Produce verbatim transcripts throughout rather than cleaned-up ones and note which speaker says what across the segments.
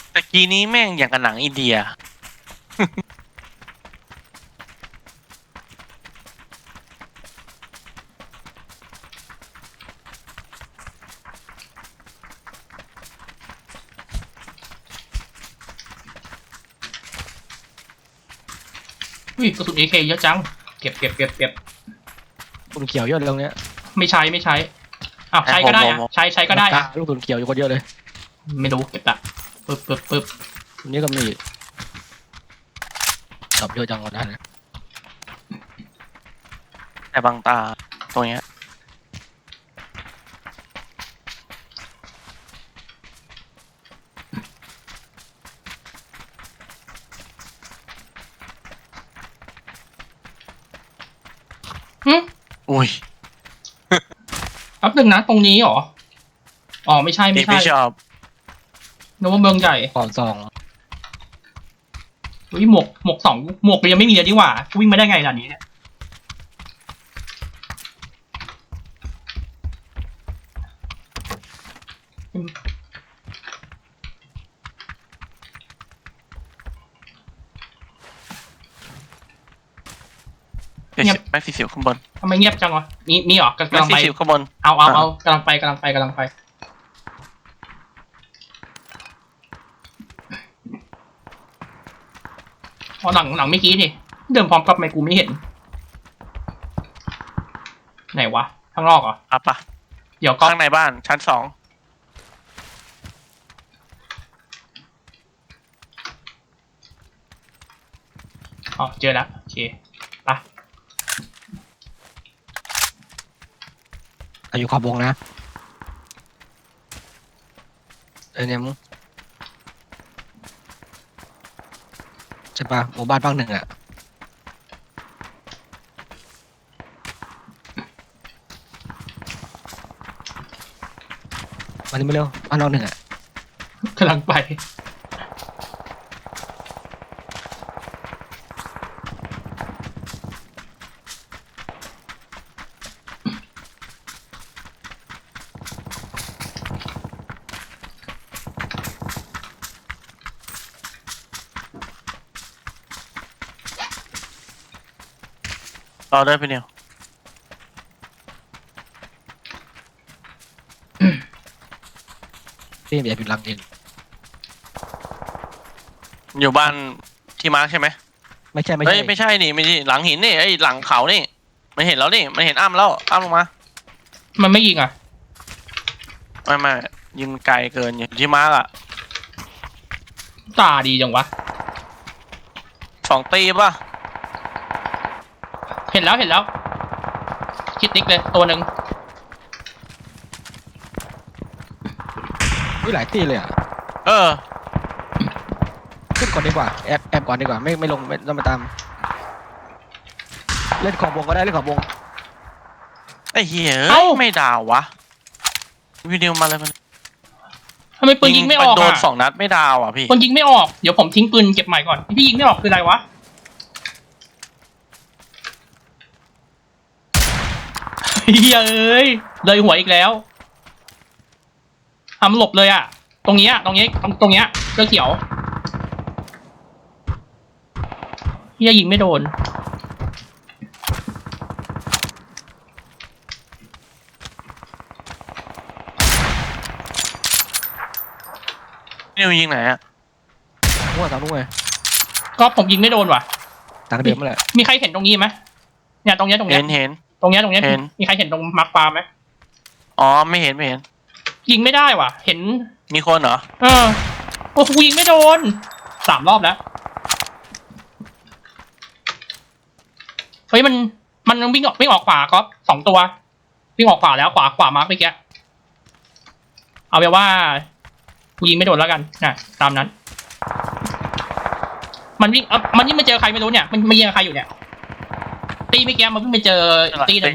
Speaker 1: ตะกี้นี้แม่งอย่างกับหนังอินเดีย
Speaker 2: อุ้ยกระสุน เอ เค เยอะจังเก็บเก็บเก็บเก็บ
Speaker 3: ลูกเขียวเยอะเลยตรงเนี้ย
Speaker 2: ไม่ใช้ไม่ใช้อ้าวใช้ก็ได้อะใช้ใช้ก็ได้อะ
Speaker 3: ลูกตุนเขียวอยู่คนเยอะเลย
Speaker 2: ไม่รู้เก็บละปึ๊บปึ๊บปึ๊บ
Speaker 3: ตรงนี้ก็มีดอกเยอะจังวันนั้นนะ
Speaker 1: แต่บางตาตรงเนี้ย
Speaker 2: หึ
Speaker 1: อุ้ย
Speaker 2: แป๊บนึงนะตรงนี้เหรออ๋อไม่ใช่ไม่
Speaker 1: นี่
Speaker 2: ใช่
Speaker 1: ไม่ชอบ
Speaker 2: นึกว่าเมืองใหญ่
Speaker 3: ก่อนสอง
Speaker 2: อุ้ยหมวกหมวกสองหมวกมันยังไม่มีเลยดีกว่าวิ่งมาได้ไงล่ะนี้เนี่ย
Speaker 1: เดี๋ยวแม็กซี่สิวข้างบน
Speaker 2: ทำไมเงียบจังวะมีมีเหรอกำ
Speaker 1: แม็ก
Speaker 2: ลัง
Speaker 1: ซี่
Speaker 2: ไป
Speaker 1: สิวข้างบน
Speaker 2: เอาเอาเอากำลังไปกำลังไปกำลังไปพอหลังหลังเมื่อกี้นี่เดินพร้อมกับไมกูไม่เห็นไหนวะข้างนอกเหรอ
Speaker 1: อ่ะปะ
Speaker 2: เดี๋ยวก็
Speaker 1: ข้างในบ้านชั้นสอง
Speaker 2: อ๋อเจอแล้วโอเคไป
Speaker 3: อายุขอบวงนะเออเนี่ยมึงใช่ปะหมู่บ้านบ้างหนึ่งอ่ะมานี่มาเร็วบ้านนอกหนึ่งอ่ะ
Speaker 2: กำลังไป
Speaker 1: รอได้ไปเนี่ย
Speaker 3: พี่อย่าผิดหลังจริง
Speaker 1: อยู่บ้านที่มาร์คใช่ไหม
Speaker 3: ไม่ใช่ไม่
Speaker 1: เฮ้
Speaker 3: ใช่
Speaker 1: ยไม่ใช่นี่ไม่ใช่หลังหินนี่ไอ้ยหลังเขานี่มันเห็นแล้วนี่มันเห็นอ้ำแล้วอ้ำลงมา
Speaker 2: มันไม่ยิงอ่ะ
Speaker 1: ไม่ไม่ยิงไกลเกินอยู่ที่มาร์คอะ
Speaker 2: ตาดีจังวะ
Speaker 1: สองตีป่ะ
Speaker 2: เห็นแล้วเห็นแล้วคิดนิกเลยตัวหนึ่ง
Speaker 3: อุ้ยหลายที่เลยอ่ะ
Speaker 1: เออ
Speaker 3: ขึ้นก่อนดีกว่าแอบแอบก่อนดีกว่าไม่ไม่ลงไม่ต้องมาตามเล่นขอบวงก็ได้เล่นขอบวง
Speaker 1: ไอ้เหี้ยเอ้ยไม่ดาววะวิดีโอมาเลยมัน
Speaker 2: ทำไมปืนยิงไม่ออก
Speaker 1: โดน
Speaker 2: อ่ะ
Speaker 1: สองนัดไม่ดาวอ่ะพี่
Speaker 2: ปืนยิงไม่ออกเดี๋ยวผมทิ้งปืนเก็บใหม่ก่อนพี่ยิงไม่ออกคืออะไรวะเฮ้ยเอ้ยเลยหัวอีกแล้วทำหลบเลยอ่ะ ตรงนี้ตรงนี้ตรงตรงเนี้ยเสื้อเขียวเฮียยิงไม่โดน
Speaker 1: นิวยิงไหนอะ
Speaker 3: มั่วสามมั่ว
Speaker 2: ก็ผมยิงไม่โดนว่ะ
Speaker 3: ต่างเดิมมาแหละ
Speaker 2: มีใครเห็นตรงนี้ไหมเนี่ยตรงเนี้ยตรงเนี้
Speaker 1: เห็
Speaker 2: ย
Speaker 1: นเห็น
Speaker 2: ตรงเนี้ยตรงเนี้ย
Speaker 1: เห็น
Speaker 2: มีใครเห็นตรงมาร์คปาไหม
Speaker 1: อ๋อไม่เห็นไม่เห็น
Speaker 2: ยิงไม่ได้ว่ะ เห็น
Speaker 1: มีคนเหรอ
Speaker 2: เออโอ้กูยิงไม่โดนสามรอบแล้วเฮ้ยมันมันวิ่งออกวิ่งออกขวาก็สองตัววิ่งออกขวาแล้วขวาขวามาร์กเมื่อกี้เอาไปนว่ากูยิงไม่โดนแล้วกันนะตามนั้น มันวิ่งเออมันยิ่งไปเจอใครไม่รู้เนี่ยมันมันยิงกับใครอยู่เนี่ยตีเมื่อกี้มันเพิ่งไปเจออีกตีหนึ่ง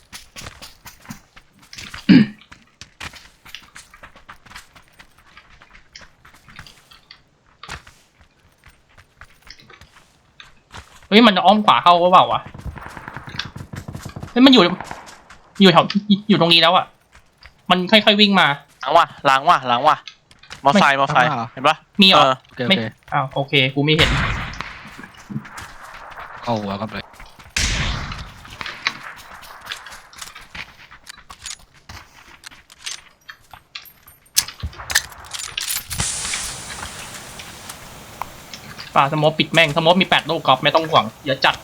Speaker 2: เฮ้ยมันอ้อมขวาเข้าหรือเปล่าวะเฮ้ยมันอยู่อยู่แถวอยู่ตรงนี้แล้วอ่ะมันค่อยๆวิ่งมา
Speaker 1: หลังว่ะหลังว่ะหลังว่ะมอไซค์มอไซค์
Speaker 3: ข้างหน้าเหรอ
Speaker 1: เห็นปะ
Speaker 2: มีเหรอ
Speaker 1: เออ
Speaker 3: โอเคโอ
Speaker 2: ไม่
Speaker 3: เค
Speaker 2: อ้าวโอเคกูไม่เห็น
Speaker 3: เข้าหัวครับเลย
Speaker 2: ป่าสโมอปิดแม่งสโมอมีแปดลูกกอล์ฟไม่ต้องห่วงเดี๋ยวจัด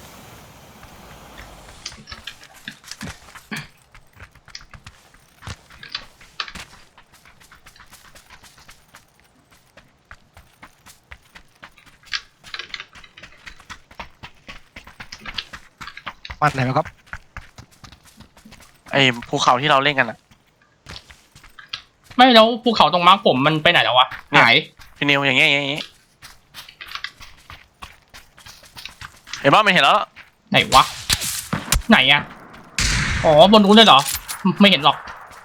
Speaker 3: มันไหนครับ
Speaker 1: ไอ้ภูเขาที่เราเล่นกันอ่ะ
Speaker 2: ไม่แล้วภูเขาตรงมาร์กผมมันไปไหนแล้ววะ
Speaker 1: เนี่ย
Speaker 2: หาย
Speaker 1: พี่นิวอย่างเงี้ยอย่างเงี้ยเห็นปะไม่เห็นแล้ว
Speaker 2: ไหนวะไหนอะอ๋อบนนู้นเลยเหรอไม่เห็นหรอก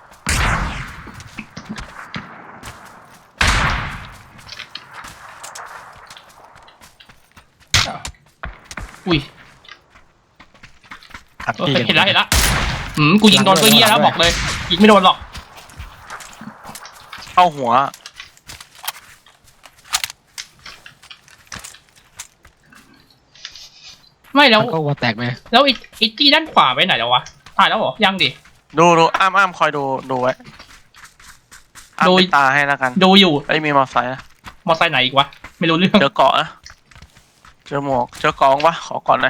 Speaker 2: อุ้ย
Speaker 3: ครับ
Speaker 2: เออ
Speaker 3: พี่
Speaker 2: เห็นแล้วเห็นแล้วอืมกูยิงโดนตัวเฮียแล้วบอกเลยยิงไม่โดนหรอก
Speaker 1: เข้าหัว
Speaker 2: ไม่แล้ว
Speaker 3: มันก็หัวแตกไหม
Speaker 2: แล้วไอ้ไอ้ที่ด้านขวาไปไหนแล้ววะตายแล้วเหรอยังดิ
Speaker 1: ดูดูอ้ามอ้ามคอยดูดูไว้อ้าม
Speaker 2: ดู
Speaker 1: ปิดตาให้แล้วกัน
Speaker 2: ดูอยู่
Speaker 1: ไอ้ยมีมอเตอร์ไซค์นะ
Speaker 2: มอไซค์ไหนอีกวะไม่รู้เรื่อง
Speaker 1: เจอเกาะนะเจอหมวกเจอกองปะขอก่อนหน่อย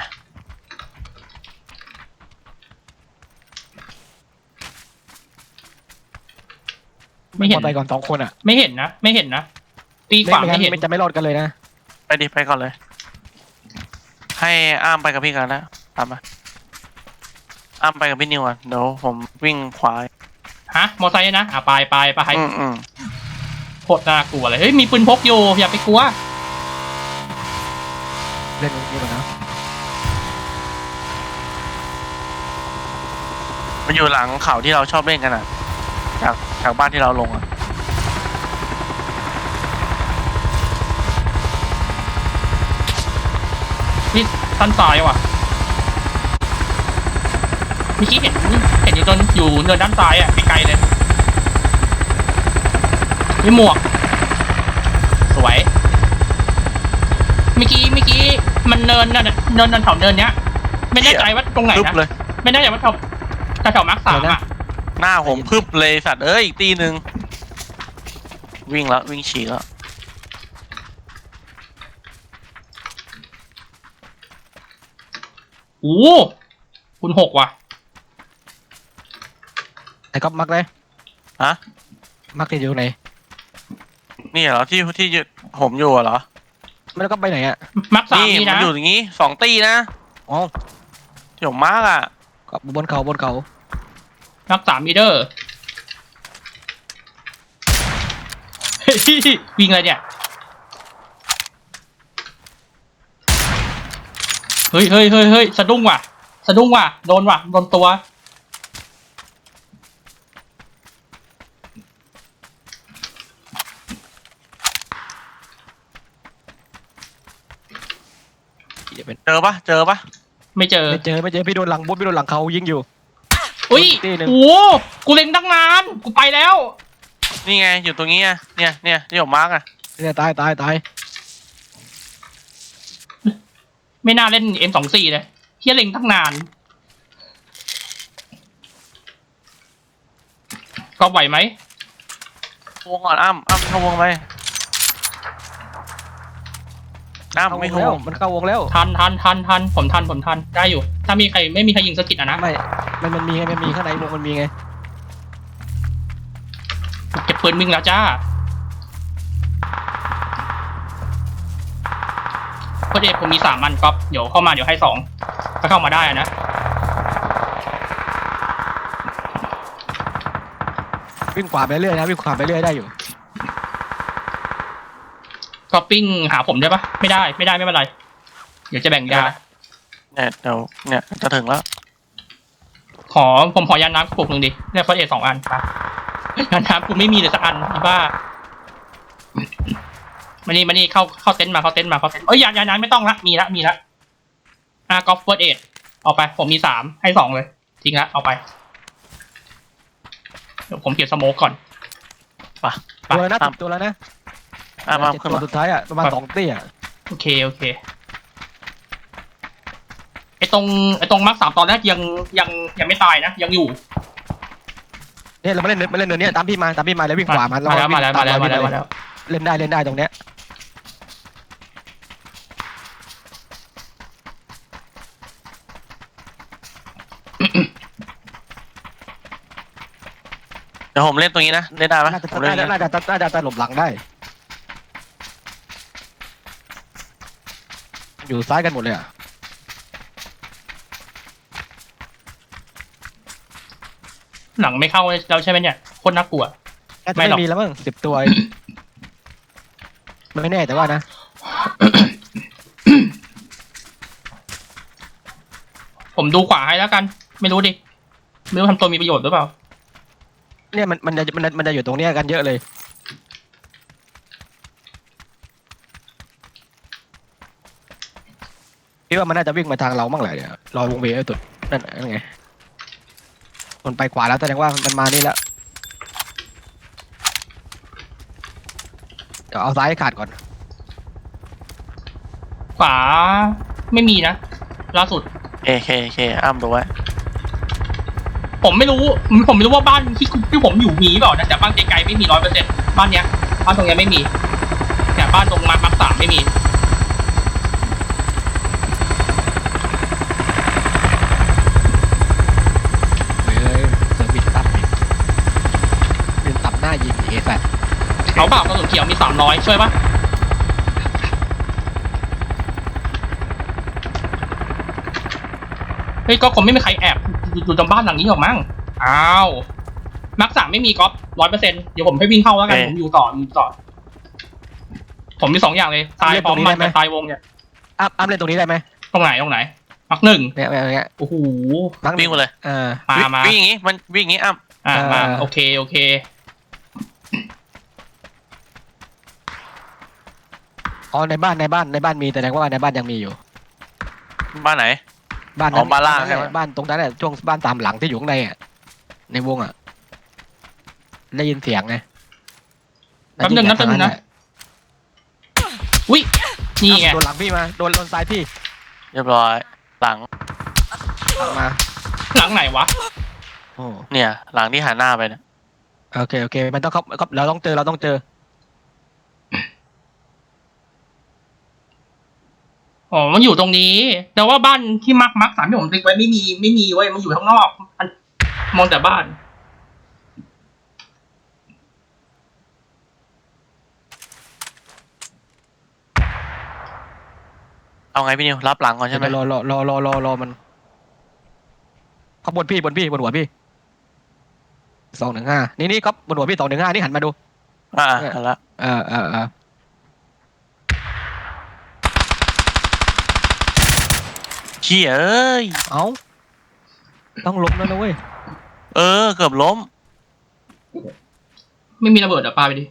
Speaker 2: ไม่เห็น
Speaker 3: มอไซค์ก่อนสองคนอ่ะ
Speaker 2: ไม่เห็นนะไม่เห็นนะตีขวา
Speaker 3: ไม่
Speaker 2: ไม่
Speaker 3: งั้น
Speaker 2: เห็น
Speaker 3: มันจะไม่รอดกันเลยนะ
Speaker 1: ไปดิไปก่อนเลย ให้อ้ามไปกับพี่กันแล้วตามมาอ้ามไปกับพี่นิวอ่ะเดี๋ยวผมวิ่งขวา
Speaker 2: ฮะมอไซค์นะอ่ะไปไปไป
Speaker 1: อืมอืม
Speaker 2: โคตรน่ากลัวเลยเฮ้ยมีปืนพกอยู่อย่าไปกลัว
Speaker 3: เล่นตรงนี้ก่อนนะ
Speaker 1: มันอยู่หลังเขาที่เราชอบเล่นกันอ่ะ จากจากบ้านที่เราลงอ่ะ
Speaker 2: นี่สั้นซ้ายว่ะเมื่อกี้เห็นเห็นอยู่ตนอยู่เนินด้านซ้ายอ่ะไกลๆเลยมีหมวกสวยเมื่อกี้เมื่อกี้มันเนินนั่นน่ะเนินเนินแถวเนินเนี้ยไม่แน่ใจว่าตรงไหน
Speaker 1: พึบ
Speaker 2: นะ
Speaker 1: เลย
Speaker 2: ไม่แน่ใจว่าแถวแถวมาร์คสามอ่ะ
Speaker 1: หน้าผมพึบเลยสัตว์เอ้ยอีกตีหนึ่งวิ่งแล้ววิ่งฉี่แล้ว
Speaker 2: โอ้คุณหกว่ะ
Speaker 3: ไอ้ก๊อฟมักเลย
Speaker 1: ฮะ
Speaker 3: มักที่อยู่ตรงไหน
Speaker 1: นี่เหรอที่ที่ผมอยู่อะเหรอ
Speaker 3: ไม่แล้วก็ไปไหนอ่ะ
Speaker 2: มาร์คสาม
Speaker 1: นี่
Speaker 2: นี่
Speaker 1: มัน
Speaker 2: นะ
Speaker 1: อยู่อย่างงี้สองตีนะ
Speaker 3: อ๋อ
Speaker 1: ที่ผมมาร์กอ่ะ
Speaker 3: ก็บนเขาบนเขา
Speaker 2: มาร์คสามมีเดอร์เฮ้ยวิ่งเลยเนี่ยเฮ้ยเฮ้ยเฮ้ยเฮ้ยสะดุ้งว่ะสะดุ้งว่ะโดนว่ะโดนตัว
Speaker 3: อย่าเป็น
Speaker 1: เจอปะเจอปะ
Speaker 2: ไม่เจอ
Speaker 3: ไม่เจอไม่เจอพี่โดนหลังบนพี่โดนหลังเขายิงอยู่
Speaker 2: อุ้ย
Speaker 3: ตีหนึ่ง
Speaker 2: โอ้กูเล็งตั้งนานกูไปแล้ว
Speaker 1: นี่ไงอยู่ตรงนี้อะเนี่ยเนี่ยที่ผมมาร์กอ่ะ
Speaker 3: เนี่ยตายตายตาย
Speaker 2: ไม่น่าเล่น เอ็ม สองสี่ เลยเฮียเล็งตั้งนานก็ไหวไหม
Speaker 1: วงก่อนอ้ำอ้ำเข้าวงไปอ้ำ
Speaker 3: เข้าว
Speaker 1: ไม่
Speaker 3: ง
Speaker 1: เข้า
Speaker 3: แล้ว
Speaker 1: วง
Speaker 3: มันเข้าวงแล้ว
Speaker 2: ทันทันทันทันผมทันผมทันได้อยู่ ถ้ามีใครไม่มีใครยิงสกิดอ่ะนะ
Speaker 3: ไม่มันมันมีไงมันมีข้างในวงมันมีไง
Speaker 2: เก็บปืนวิ่งแล้วจ้าก็เดผมมีสามอันก๊อฟเดี๋ยวเข้ามาเดี๋ยวให้สองถ้าเข้ามาได้อะนะ
Speaker 3: วิ่งขวาไปเรื่อยนะวิ่งขวาไปเรื่อยได้อยู่
Speaker 2: ก็ปิ้งหาผมได้ปะไม่ได้ไม่ได้ไม่เป็นไร เดี๋ยวจะแบ่งยา
Speaker 1: เนี่ยเดี๋ยวเนี่ยจะถึงแล้ว
Speaker 2: ขอผมขอยาน้ำกระปุกหนึ่งดิได้เฟอร์เอสองอันไปยาน้ำกูไม่มีเลยสักอันอีบ้ามานี่มานี่เข้าเข้าเต็นท์มาเข้าเต็นท์มาเข้าเต็นท์เอ้ยยายาน้ำไม่ต้องละมีละมีละอ่ะกอล์ฟเฟิร์สเอดเอาไปผมมีสามให้สองเลยทิ้งละเอาไปเดี๋ยวผมเก็บสโมกก่อน
Speaker 1: ไป
Speaker 2: ไป
Speaker 3: ตัวแล้วนะ
Speaker 1: ตาม
Speaker 3: ตัวแล้วนะ
Speaker 1: อ้ามอ้าม
Speaker 3: เจ็ด
Speaker 1: ขึ้น
Speaker 3: ตัว
Speaker 1: มา
Speaker 3: สุดท้ายอ่ะประมาณสองตี้อ่ะ
Speaker 2: โอเคโอเคไอตรงไอตรงมาร์คสามตอนแรกยังยังยังไม่ตายนะยังอยู่
Speaker 3: เนี่ยเรามาเล่นมาเล่นเนินเนี้ยตามพี่มาตามพี่มาแล้ววิ่งขวามัน
Speaker 2: มาแล้วมาแล้วมาแล้วมาแล้วมาแล้ว
Speaker 3: เล่นได้เล่นได้ตรงเนี้ย
Speaker 1: เดี๋ยวผมเล่นตรงนี้นะเล่นได้ไหม
Speaker 3: น่าจะ
Speaker 1: ผมเล่น
Speaker 3: น่า
Speaker 1: อย่าง
Speaker 3: จะ
Speaker 1: เงี้ย
Speaker 3: น่าจะน่าจะตลบหลังได้อยู่ซ้ายกันหมดเลยอ่ะ
Speaker 2: หลังไม่เข้าเราใช่ไหมเนี่ยโคตรน่ากลัว
Speaker 3: น่าจะ
Speaker 2: ไม่หรอก
Speaker 3: ไม่มีแล้วมั้งสิบตัวเองไม่แน่แต่ว่านะ
Speaker 2: ผมดูขวาให้แล้วกัน ไม่รู้ดิไม่รู้ทำตัวมีประโยชน์หรือเปล่า
Speaker 3: เนี่ยมันมันจะมันมันจะอยู่ตรงเนี้ยกันเยอะเลยพี่ว่ามันน่าจะวิ่งมาทางเราบ้างแหละเนี่ยรอวงเวียนไอ้ตุดนั่นนั่นไงมันไปขวาแล้วแสดงว่ามันมานี่แล้วเดี๋ยวเอาซ้ายให้ขาดก่อน
Speaker 2: ขวาไม่มีนะล่าสุด
Speaker 1: เคเคเคอ้ามดูไว้
Speaker 2: ผมไม่รู้ผมไม่รู้ว่าบ้านที่ที่ผมอยู่มีเปล่านะแต่บ้านไกลๆไม่มีร้อยเปอร์เซ็นต์บ้านเนี้ยบ้านตรงเนี้ยไม่มีแต่บ้านตรงมาร์คสามไม่มี
Speaker 3: เฮ้ยเซอร์วิสตับอีกเป็นตับหน้ายิงเอแฟ
Speaker 2: เขาเปล่ากระสุนเขียวมีสามร้อยช่วยปะเฮ้ยก็คงไม่มีใครแอบอยู่ตรงบ้านหลังนี้หรอกมั้งอ้าวมาร์คสามไม่มีก๊อฟร้อยเปอร์เซ็นต์เดี๋ยวผมให้วิ่งเข้าแล้วกันผมอยู่ต่ออยู่ต่อผมมีสองอย่างเลยตายพร้อมมันกับตายวงเนี่ย
Speaker 3: อ้ามอ้ามเล่นตรงนี้ได้ไหม
Speaker 2: ตรงไหนตรงไหนมาร์คหนึ่ง
Speaker 3: เนี่ยเนี่ยเนี่ย
Speaker 2: โอ้โห
Speaker 3: มั้ง
Speaker 1: วิ่งมาเลย
Speaker 3: เออ
Speaker 2: มามา
Speaker 1: วิ่งอย่างงี้มันวิ่งอย่างงี้อ้าม
Speaker 2: อ่า
Speaker 3: เออ
Speaker 2: มาโอเคโอเค
Speaker 3: อ๋อในบ้านในบ้านในบ้านมีแต่แสดงว่าในบ้านยังมีอยู่
Speaker 1: บ้านไหน
Speaker 3: บ้าน
Speaker 1: อ๋อบ้านล่าง
Speaker 3: แหละ
Speaker 1: ใช่ไหม
Speaker 3: บ้านตรงนั้นแหละช่วงบ้านตามหลังที่อยู่ข้างในอ่ะในวงอ่ะได้ยินเสียงไง
Speaker 2: แป๊บนึงนะแป๊บนึงนะอุ้ยนี่ไง
Speaker 3: โดนหลังพี่มาโดนโดนซ้ายพี่
Speaker 1: เรียบร้อยหลัง
Speaker 3: หลังมา
Speaker 2: หลังไหนวะ
Speaker 3: โอ้
Speaker 1: เนี่ยหลังที่หันหน้าไปเนี่ย
Speaker 3: โอเคโอเคมันต้องเขาเขาเราต้องเจอเราต้องเจอ
Speaker 2: อ๋อมันอยู่ตรงนี้ แต่ว่าบ้านที่มาร์คมาร์คสามที่ผมติ๊กไว้ไม่มีไม่มีเว้ยมันอยู่ข้างนอกมันมองแต่บ้าน
Speaker 1: เอาไงพี่นิวรับหลังก่อนใช่ไหม
Speaker 3: รอรอรอรอรอรอมันเขาบนพี่บนพี่บนหัวพี่สองหนึ่งห้านี่นี่ครับบนหัวพี่สองหนึ่งห้านี่หันมาดู
Speaker 1: อ่าหันละ
Speaker 3: เออเออเออ
Speaker 1: เชี่ยเอ้ย
Speaker 3: เอาต้องล้มแล้วนะเว้ย
Speaker 1: เออเกือบล้ม
Speaker 2: ไม่มีระเบิดอ่ะปาไปดิ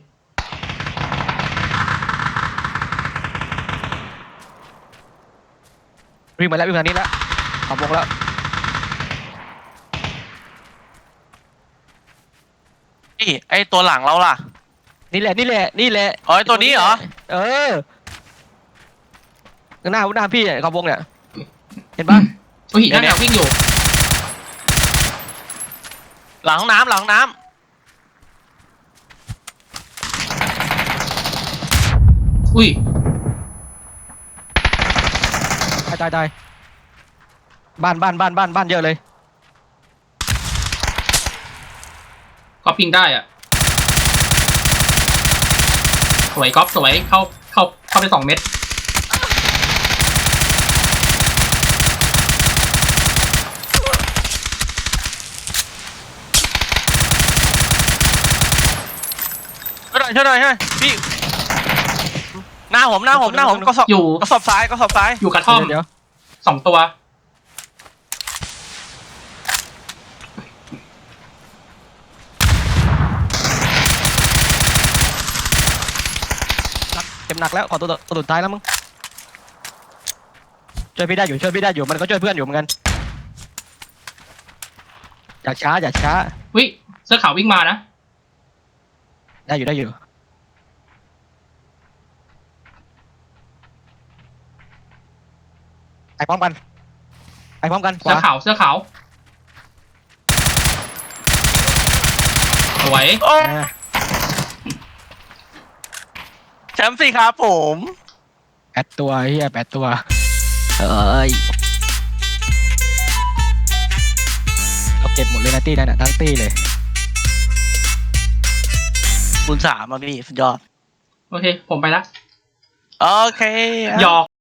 Speaker 3: วิ่งมาแล้ววิ่งมานี้แล้วขับวงแล้ว
Speaker 1: นี่ไอตัวหลังเราล่ะ
Speaker 3: นี่แหละนี่แหละนี่แหละ
Speaker 1: อ๋อไอ้ตัวนี้เหรอ
Speaker 3: เออหน้าหน้าพี่ขับวงเนี่ยเห็นปะ
Speaker 2: อุ้ยนั่นน่ะวิ่งอยู่
Speaker 1: หลังห้องน้ำหลังห้องน้
Speaker 2: อุ้ย
Speaker 3: ตายตายตายบ้านบ้านบ้านบ้านบ้านเยอะเลย
Speaker 2: ก๊อปปิ้งได้อ่ะสวยก๊อปสวยเข้าเข้าเข้าไปสองเม็ด
Speaker 1: ำช่วยหน่อยช่วยหน่อยช่วยหน่อยพี่หน้าผมหน้าผมหน้าผมก็สอบ
Speaker 2: อยู่
Speaker 1: ก็สอบซ้ายก็สอบซ้าย
Speaker 2: อยู่กระท่อม
Speaker 3: เดี๋ยว
Speaker 2: สองตัว
Speaker 3: เต็มหนักแล้วขอตัวตัวสุดท้ายแล้วมึงช่วยพี่ได้อยู่ช่วยพี่ได้อยู่มันก็ช่วยเพื่อนอยู่เหมือนกันอย่าช้าอย่าช้า
Speaker 2: วิเสื้อขาววิ่งมานะ
Speaker 3: ได้อยู่ได้อยู่ไปพร้อมกันไปพร้อมกันข
Speaker 2: เสื้อ
Speaker 3: วา
Speaker 2: ขาวเสื้อขาวสวย
Speaker 1: โอ้
Speaker 3: อ่า
Speaker 1: แชมป์สิครับผม
Speaker 3: แปดตัวเฮียแปดตัวเอ้ยเราเก็บหมดเลยนะตี้นั่นน่ะทั้งตี้เลย
Speaker 1: คูณสามอ่ะพี่สุดยอด
Speaker 2: โอเค ผมไปละ
Speaker 1: โอเค
Speaker 2: หยอก